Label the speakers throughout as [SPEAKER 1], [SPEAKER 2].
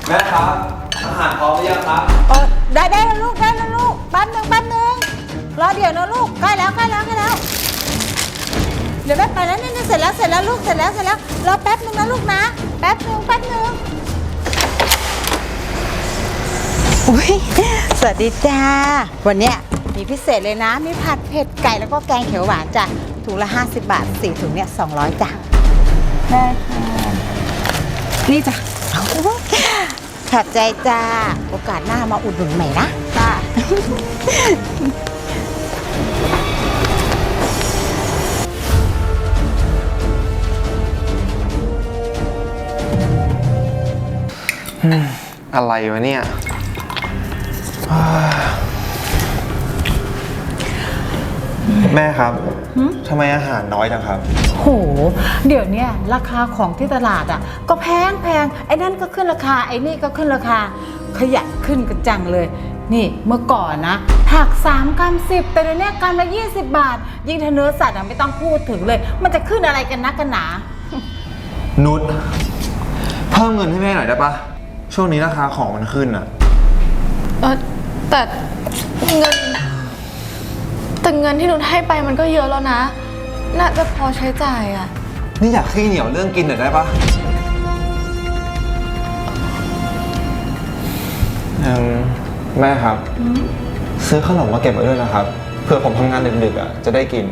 [SPEAKER 1] แม่ครับอาหารพร้อมหรือยังครับ
[SPEAKER 2] ได้แล้วลูกได้แล้วลูกแป๊บนึงรอเดี๋ยวนะลูกใกล้แล้วเดี๋ยวแม่ไปแล้วนี่เสร็จแล้วลูกเสร็จแล้วรอแป๊บนึงนะลูกนะแป๊บนึงอุ้ยสวัสดีจ้าวันเนี้ยมีพิเศษเลยนะมีผัดเผ็ดไก่แล้วก็แกงเขียวหวานจ้ะถุงละ50 บาท4ถุงเนี่ย200จ้ะได้ค่ะนี่จ้ะขอบใจจ้าโอกาสหน้ามาอุดหนุนใหม่นะจ้า
[SPEAKER 1] อะไรวะเนี่ยแม่ครับทำไมอาหารน้อยจังครับ
[SPEAKER 2] โหเดี๋ยวนี้ราคาของที่ตลาดอ่ะก็แพงไอ้นั่นก็ขึ้นราคาไอ้นี่ก็ขึ้นราคาขยันขึ้นกันจังเลยนี่เมื่อก่อนนะผัก3 กรัม 10แต่เดี๋ยวนี้กรัมละ20 บาทยิ่งถ้าเนื้อสัตว์ไม่ต้องพูดถึงเลยมันจะขึ้นอะไรกันนักกันหนา
[SPEAKER 1] นุชเพิ่มเงินให้แม่หน่อยได้ปะช่วงนี้ราคาของมันขึ้นอะ
[SPEAKER 3] แต่เงินที่หนูให้ไปมันก็เยอะแล้วนะน่าจะพอใช้จ่ายอะ
[SPEAKER 1] นี่อยากขี้เหนียวเรื่องกินหน่อยได้ปะแม่ครับซื้อขนมมาเก็บไว้ด้วยนะครับเผื่อผมทำงานดึกๆอะจะได้กิน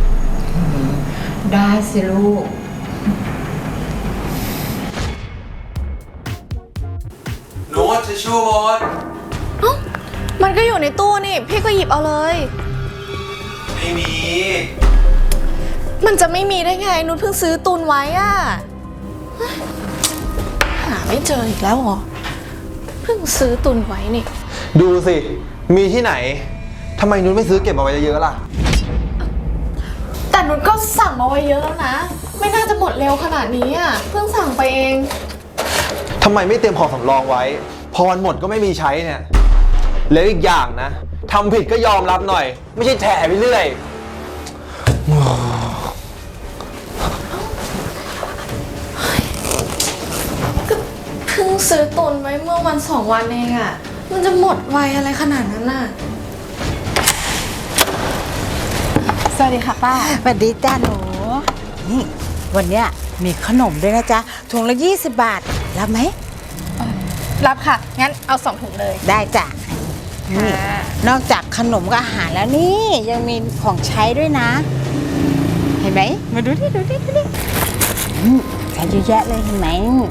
[SPEAKER 2] ได้สิลูก
[SPEAKER 1] โน้ตทิชชู่หมด
[SPEAKER 3] มันก็อยู่ในตู้นี่พี่ก็หยิบเอาเลย
[SPEAKER 1] ไม่มี
[SPEAKER 3] มันจะไม่มีได้ไงนุชเพิ่งซื้อตุนไว้อะหาไม่เจออีกแล้วเหรอเพิ่งซื้อตุนไว้นี่
[SPEAKER 1] ดูสิมีที่ไหนทำไมนุชไม่ซื้อเก็บเอาไว้เยอะๆล่ะ
[SPEAKER 3] แต่นุชก็สั่งมาไว้เยอะแล้วนะไม่น่าจะหมดเร็วขนาดนี้อ่ะเพิ่งสั่งไปเอง
[SPEAKER 1] ทำไมไม่เตรียมของสำรองไว้พอวันหมดก็ไม่มีใช้เนี่ยแล้วอีกอย่างนะทำผิดก็ยอมรับหน่อยไม่ใช่แถไปเรื่อย
[SPEAKER 3] ก็เพิ่งซื้อตุนไว้เมื่อวัน2 วันเองอ่ะมันจะหมดไวอะไรขนาดนั้นน่ะสวัสดีค่ะป้า
[SPEAKER 2] สวัสดีจ้าหนูนี่วันเนี้ยมีขนมด้วยนะจ๊ะถุงละ20 บาทรับไหม
[SPEAKER 3] รับค่ะงั้นเอา2 ถุงเลย
[SPEAKER 2] ได้จ้ะนี่นอกจากขนมกับอาหารแล้วนี่ยังมีของใช้ด้วยนะเห็นไหมมาดูดิใช้เยอะแยะเลยเห็นไหม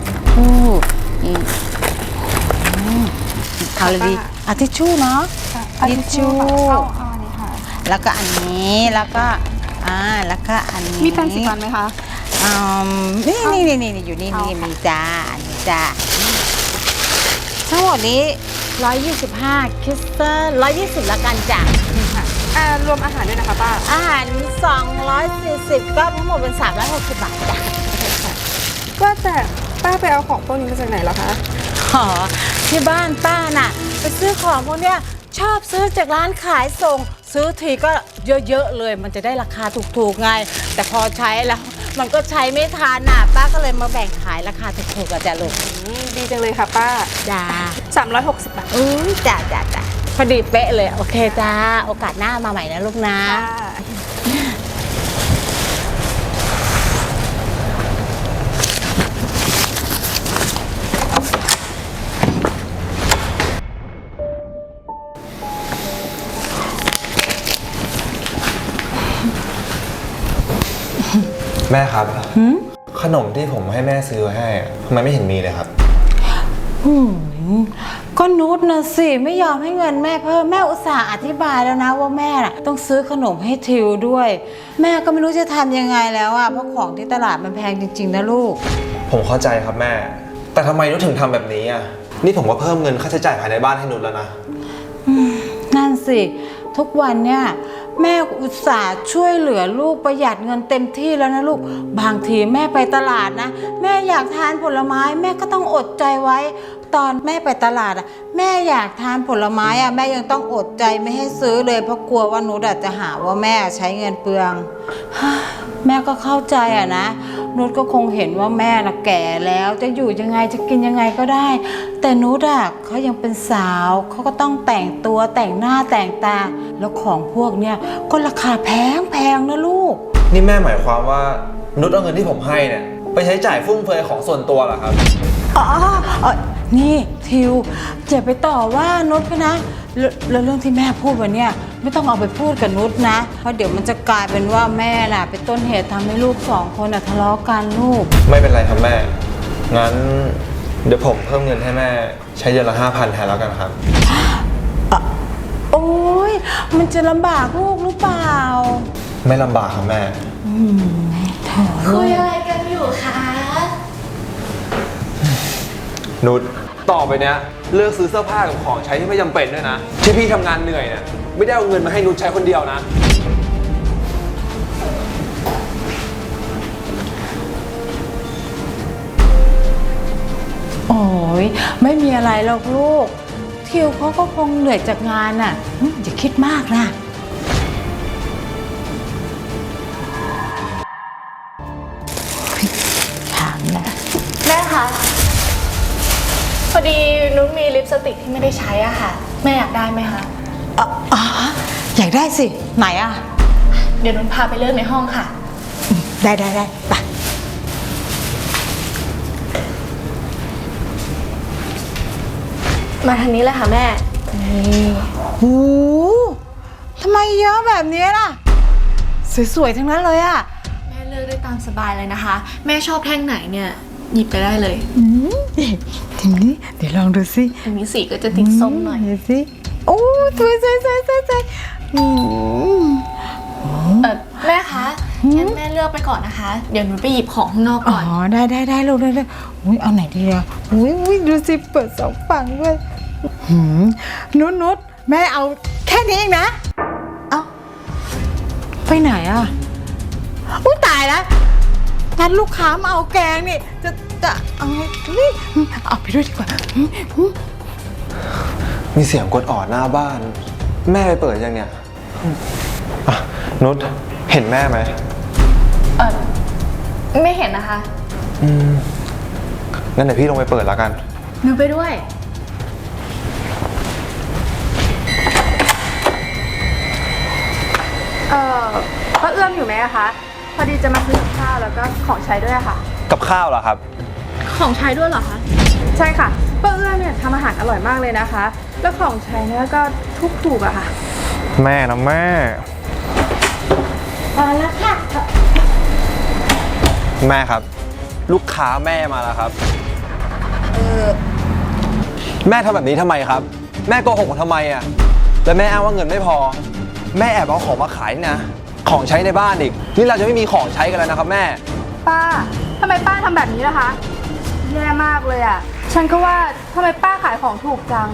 [SPEAKER 2] เอาเลยดิเอาทิชชู่เนาะทิชชู่แล้วก็อันนี้แล้วก็อันนี้
[SPEAKER 3] มีแปรงสีฟันไหมคะ
[SPEAKER 2] นี่อยู่นี่มีจ้านี่จ้าทั้งหมดนี้125คิสเตอร์120ละกันจ้ะ
[SPEAKER 3] รวมอาหารด้วยนะคะป้า
[SPEAKER 2] อาหาร240ก็ทั้งหมดเป็น360 บาทจ้ะ
[SPEAKER 3] ก็แต่ป้าไปเอาของพวกนี้มาจากไหนเหรอคะ
[SPEAKER 2] อ๋อที่บ้านป้าน่ะไปซื้อของพวกเนี้ยชอบซื้อจากร้านขายส่งซื้อทีก็เยอะๆเลยมันจะได้ราคาถูกๆไงแต่พอใช้แล้วมันก็ใช้ไม่ทันน่ะป้าก็เลยมาแบ่งขายราคาถูกๆกับจ้ะลูก
[SPEAKER 3] ดีจังเลยค่ะป้า
[SPEAKER 2] จ้า
[SPEAKER 3] 360 บาท
[SPEAKER 2] จ้าพอดีเป๊ะเลยโอเคจ้าโอกาสหน้ามาใหม่นะลูกนะ
[SPEAKER 1] แม่ครับขนมที่ผมให้แม่ซื้อให้ทำไมไม่เห็นมีเลยครับ
[SPEAKER 2] ก็นุชนะสิไม่ยอมให้เงินแม่เพิ่มแม่อุตส่าห์อธิบายแล้วนะว่าแม่น่ะต้องซื้อขนมให้ทิวด้วยแม่ก็ไม่รู้จะทำยังไงแล้วอ่ะเพราะของที่ตลาดมันแพงจริงๆนะลูก
[SPEAKER 1] ผมเข้าใจครับแม่แต่ทำไมนุชถึงทำแบบนี้อ่ะนี่ผมก็เพิ่มเงินค่าใช้จ่ายภายในบ้านให้นุชแล้วนะ
[SPEAKER 2] นั่นสิทุกวันเนี่ยแม่อุตส่าห์ช่วยเหลือลูกประหยัดเงินเต็มที่แล้วนะลูกบางทีแม่ไปตลาดนะแม่อยากทานผลไม้แม่ก็ต้องอดใจไว้ตอนแม่ไปตลาดแม่อยากทานผลไม้แม่ยังต้องอดใจไม่ให้ซื้อเลยเพราะกลัวว่านุชจะหาว่าแม่ใช้เงินเปลืองแม่ก็เข้าใจนะนุชก็คงเห็นว่าแม่น่ะแก่แล้วจะอยู่ยังไงจะกินยังไงก็ได้แต่นุชอะเขายังเป็นสาวเขาก็ต้องแต่งตัวแต่งหน้าแต่งตา แล้วของพวกเนี้ยก็ราคาแพงนะลูก
[SPEAKER 1] นี่แม่หมายความว่านุชเอาเงินที่ผมให้เนี่ยไปใช้จ่ายฟุ่มเฟือยของส่วนตัวเหรอครับ
[SPEAKER 2] อ๋อนี่ทิวอย่าไปต่อว่านุชเขานะแล้วเรื่องที่แม่พูดวันเนี้ยไม่ต้องเอาไปพูดกับนุชนะ เพราะเดี๋ยวมันจะกลายเป็นว่าแม่น่ะเป็นต้นเหตุทำให้ลูกสองคนน่ะทะเลาะกันลูก
[SPEAKER 1] ไม่เป็นไรครับแม่ งั้นเดี๋ยวผมเพิ่มเงินให้แม่ใช้เดือนละ5,000แทนแล้วกันครับ
[SPEAKER 2] โอ้ยมันจะลำบากลูกหรือเปล่า
[SPEAKER 1] ไม่ลำบากครับแม่
[SPEAKER 2] เถอะ
[SPEAKER 3] คุยอะไรกันอยู่คะ
[SPEAKER 1] นุชต่อไปเนี้ยเลิกซื้อเสื้อผ้ากับของใช้ที่ไม่จำเป็นด้วยนะ ที่พี่ทำงานเหนื่อยเนี่ยไม่ได้เอาเงินมาให้นุชใช้คนเดียวนะ
[SPEAKER 2] โอ้ยไม่มีอะไรหรอกลูกทิวเขาก็คงเหนื่อยจากงานน่ะอย่าคิดมากนะถามนะ
[SPEAKER 3] แม่คะพอดีนุชมีลิปสติกที่ไม่ได้ใช้อะค่ะ แม่อยากได้ไหมคะ
[SPEAKER 2] อ๋ออยากได้สิไหนอ่ะ
[SPEAKER 3] เดี๋ยวนุชพาไปเลือกในห้องค่ะ
[SPEAKER 2] ได้ไป
[SPEAKER 3] มาทางนี้เลยค่ะแม่
[SPEAKER 2] หูทำไมเยอะแบบนี้ล่ะสวยๆทั้งนั้นเลยอ่ะ
[SPEAKER 3] แม่เลือกได้ตามสบายเลยนะคะ แม่ชอบแท่งไหนเนี่ยหยิบไปได้เลย
[SPEAKER 2] ทีนี้เดี๋ยวลองดูสิ
[SPEAKER 3] อันนี้สีก็จะติดส้มหน่อย
[SPEAKER 2] ดูสิโอ้สวย
[SPEAKER 3] แม่คะงั้นแม่เลือกไปก่อนนะคะ เดี๋ยวหนูไปหยิบของข้างนอก
[SPEAKER 2] อ๋
[SPEAKER 3] ก่
[SPEAKER 2] อ
[SPEAKER 3] อน
[SPEAKER 2] ได้ลูกได้อุ้ยเอาไหนดีอ่ะอุ้ยดูสิเปิดสองฝั่งด้วยนุชแม่เอาแค่นี้เองนะเอาไปไหนอ่ะอุ้ยตายแล้วงั้นลูกค้ามาเอาแกงนี่จะเอาไงนี่เอาไปด้วยดีกว่า
[SPEAKER 1] มีเสียงกดออดหน้าบ้าน แม่ไปเปิดยังเนี่ยอ่ะนุชเห็นแม่ไหม
[SPEAKER 3] ไม่เห็นนะคะ
[SPEAKER 1] งั้นเดี๋ยวพี่ลงไปเปิดแล้วกัน
[SPEAKER 3] หนูไปด้วย
[SPEAKER 4] ป้าเอื้อมอยู่ไหมอะคะ พอดีจะมาซื้อข้าวแล้วก็ของใช้ด้วยอะค่ะ
[SPEAKER 1] กับข้าวเหรอครับ
[SPEAKER 3] ของใช้ด้วยเหรอคะ
[SPEAKER 4] ใช่ค่ะป้าเอื้อมเนี่ยทำอาหารอร่อยมากเลยนะคะ แล้วของใช้เนี่ยก็ถูกอะค่ะ
[SPEAKER 1] แม่นะแม่
[SPEAKER 2] พอแล้วค่ะ
[SPEAKER 1] แม่ครับ ลูกค้าแม่มาแล้วครับแม่ทำแบบนี้ทำไมครับ แม่โกหกผมทำไมอ่ะแล้วแม่อ้างว่าเงินไม่พอ แม่แอบเอาของมาขายนี่นะของใช้ในบ้านอีกนี่เราจะไม่มีของใช้กันแล้วนะครับแม่
[SPEAKER 4] ป้าทำไมป้าทำแบบนี้ล่ะคะ แย่มากเลยอะฉันก็ว่าทำไมป้าขายของถูกจัง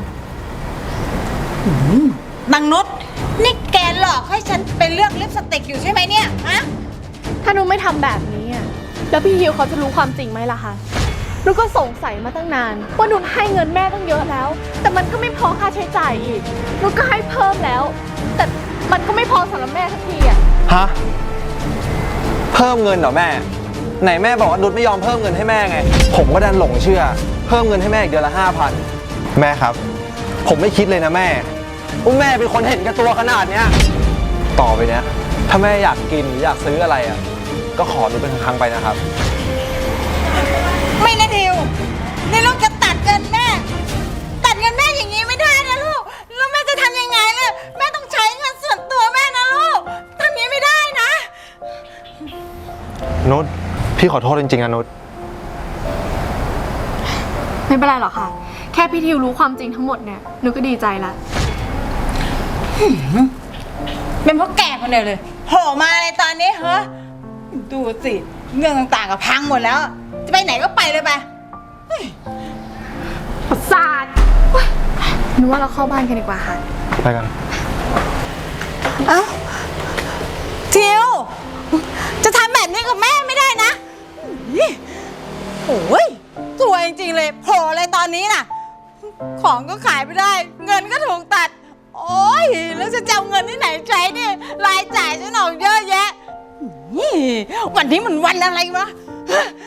[SPEAKER 2] นางนุชนี่แกหลอกให้ฉันไปเลือกลิปสติกอยู่ใช่ไหมเนี่ยฮะ
[SPEAKER 3] ถ้านุชไม่ทำแบบนี้อะแล้วพี่ฮิวเขาจะรู้ความจริงไหมล่ะคะนุชก็สงสัยมาตั้งนานว่านุชให้เงินแม่ตั้งเยอะแล้ว แต่มันก็ไม่พอค่าใช้จ่ายอีกนุชก็ให้เพิ่มแล้ว แต่มันก็ไม่พอสำหรับแม่สักทีอะ
[SPEAKER 1] ฮะเพิ่มเงินเหรอแม่ ไหนแม่บอกว่านุชไม่ยอมเพิ่มเงินให้แม่ไง ผมก็ดันหลงเชื่อ เพิ่มเงินให้แม่อีกเดือนละ5,000แม่ครับ ผมไม่คิดเลยนะแม่ว่าแม่เป็นคนเห็นแก่ตัวขนาดเนี้ยต่อไปเนี้ยถ้าแม่อยากกินหรืออยากซื้ออะไรอ่ะก็ขอนุชเป็นครั้งๆไปนะครับ
[SPEAKER 2] ไม่นะทิวนี่ลูกจะตัดเงินแม่ ตัดเงินแม่อย่างนี้ไม่ได้นะลูกแล้วแม่จะทำยังไงล่ะแม่ต้องใช้เงินส่วนตัวแม่นะลูกทำอย่างนี้ไม่ได้นะ
[SPEAKER 1] นุชพี่ขอโทษจริงๆนะนุช
[SPEAKER 3] ไม่เป็นไรหรอกค่ะ แค่พี่ทิวรู้ความจริงทั้งหมดเนี่ยนุชก็ดีใจละ
[SPEAKER 2] เป็นเพราะแกคนเดียวเลยโผล่มาในตอนนี้เหรอดูสิเรื่องต่างๆกับพังหมดแล้ว จะไปไหนก็ไปเลยไป
[SPEAKER 3] ประสาทนึกว่าเราเข้าบ้านกันดีกว่าค่ะ
[SPEAKER 1] ไปกัน
[SPEAKER 2] เอ้าทิวจะทำแบบนี้กับแม่ไม่ได้นะโอ้ยตัวจริงๆเลยโผล่อะไรตอนนี้น่ะ ของก็ขายไม่ได้ เงินก็ถูกตัด โอ้ยแล้วจะเอาเงินที่ไหนใช้เนี่ยรายจ่ายฉันออกเยอะแยะนี่วันนี้มันวันอะไรวะ